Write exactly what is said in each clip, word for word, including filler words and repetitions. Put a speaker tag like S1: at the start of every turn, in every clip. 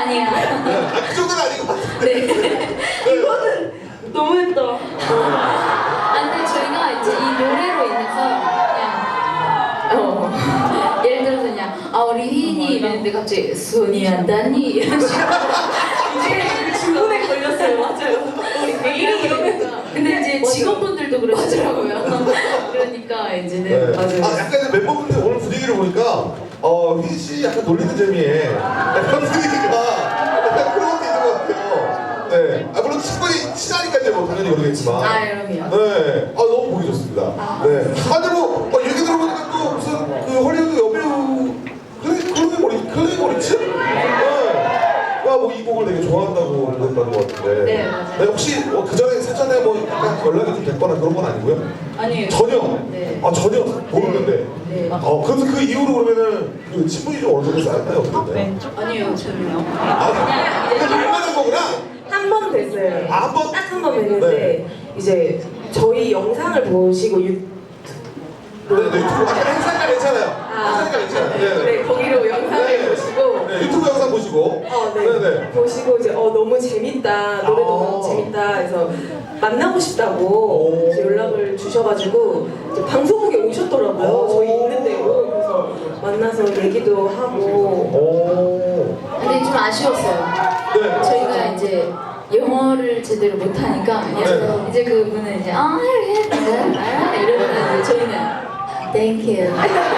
S1: 아니야.
S2: 네. 아, 그 정도는 아닌 것 같은데.
S1: 네.
S3: 이거는 너무했다.
S1: 아, 근데 저희가 이제 이 노래로 인해서 그냥 어 예를 들어서 그냥 아 우리 휘인이 이랬는데 갑자기 손이 안 닿니 이런 식으로
S3: 이제 주문에 걸렸어요. 맞아요. 우리 매일이 이러면.
S1: 근데 이제 직원분들도 그러시더라고요. 그러니까 이제는
S2: 네.
S1: 맞아요.
S2: 아, 약간 이제 멤버분들 오늘 분위기를 보니까 어, 휘인 씨 약간 놀리는 재미에 약간 분위기가 약간 그런 것도 있는 것 같아요. 네. 아, 물론 친분이 친하니까 이제 뭐 당연히 모르겠지만.
S1: 아 그럼요.
S2: 네. 아, 너무 보기 좋습니다. 네. 아, 근데 뭐, 어, 얘기 들어보니까 또 무슨 그 헐리우드 여배우 클레이, 클레이 모리, 클레이 모리츠? 네. 뭐 이 곡을 되게 좋아한다고 그랬다는 것 같은데.
S1: 네, 맞아요.
S2: 네, 혹시 뭐 그 전에 사전에 뭐 약간 연락이 좀 됐거나 그런 건 아니고요?
S1: 아니에요.
S2: 전혀.
S1: 네.
S2: 아 전혀 모르는데.
S1: 네.
S2: 어 그래서 그 이후로 그러면은 그 친분이 좀 어느 정도 쌓였나요? 어떤데?
S1: 아니에요 전혀.
S2: 아 그냥 말만 한 거구나.
S3: 한 번 됐어요.
S2: 아, 한 번?
S3: 딱 한 번 됐는데
S2: 네.
S3: 이제 저희 영상을 보시고 유...
S2: 네, 네 유튜브 아 행사니까 괜찮아요.
S3: 아,
S2: 행사니까 괜찮아요. 네,
S3: 네, 거기로 영상을
S2: 네.
S3: 보시고
S2: 네, 유튜브 영상 보시고.
S3: 어, 네.
S2: 네, 네.
S3: 보시고 이제 어 너무 재밌다 노래도
S2: 아.
S3: 너무 재밌다 해서 만나고 싶다고
S2: 오.
S3: 이제 연락을 주셔가지고 이제 방송국에 오셨더라고요.
S2: 오.
S3: 저희 있는 대로 그래서 만나서 얘기도 하고
S2: 오.
S1: 근데 좀 아쉬웠어요.
S2: 네.
S1: 저희가 이제 영어를 제대로 못하니까 그냥
S2: 네.
S1: 이제 그분은 이제 아 이러면 이제 저희는 Thank you.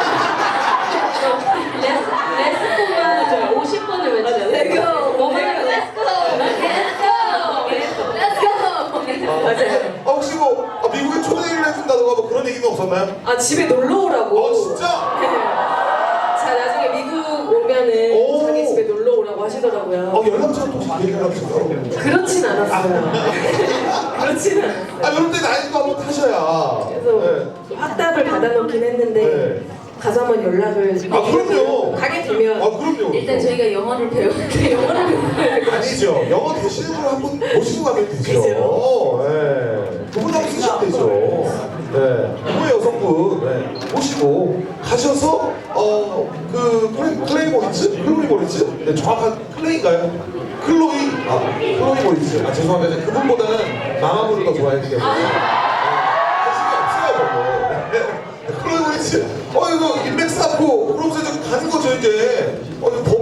S4: 레스코가 오십 번을 외쳐요.
S3: Let's go.
S4: 뭐 하냐면 Let's go.
S1: Let's go. Let's go.
S3: 맞아요.
S2: 아 혹시 뭐 아, 미국에 초대를 해준다던가 뭐 그런 얘기는 없었나요?
S3: 아 집에 놀러 오라고.
S2: 어 진짜?
S3: 네. 자 나중에 미국 오면은
S2: 오.
S3: 자기 집에 놀러 오라고 하시더라고요.
S2: 어 연락처는 혹시 얘기를 하셨어요?
S3: 그렇진 않았어요. 그렇진 않았어요.
S2: 아 이럴 때 나이도 한번 타셔야.
S3: 그래서
S2: 네.
S3: 확답을 받아놓긴 했는데
S2: 네.
S3: 가서 한번 연락을
S2: 아 그럼요.
S3: 가게 되면
S2: 아 그럼요.
S1: 일단 저희가 영어를 배우는데 영어를 배우는
S2: 아니죠. 영어 대신을 한번 모시고 가면 되죠.
S3: 그죠.
S2: 네. 그분 한번 쓰시면 되죠. 네. 그 여성분 네. 모시고 가셔서 어그 클레이 클레이 모리츠? 클로이 모리츠? 네 정확한 클레이인가요? 클로이 아 클로이 모리츠. 아 죄송합니다. 이제 그분보다는 마마무를 더 좋아했기 때문에. 관심이 없어요, 뭐. 네. 클로이 모리츠. 어 이거 인맥 쌓고 그러면서 이제 가는 거죠 이제. 어 이거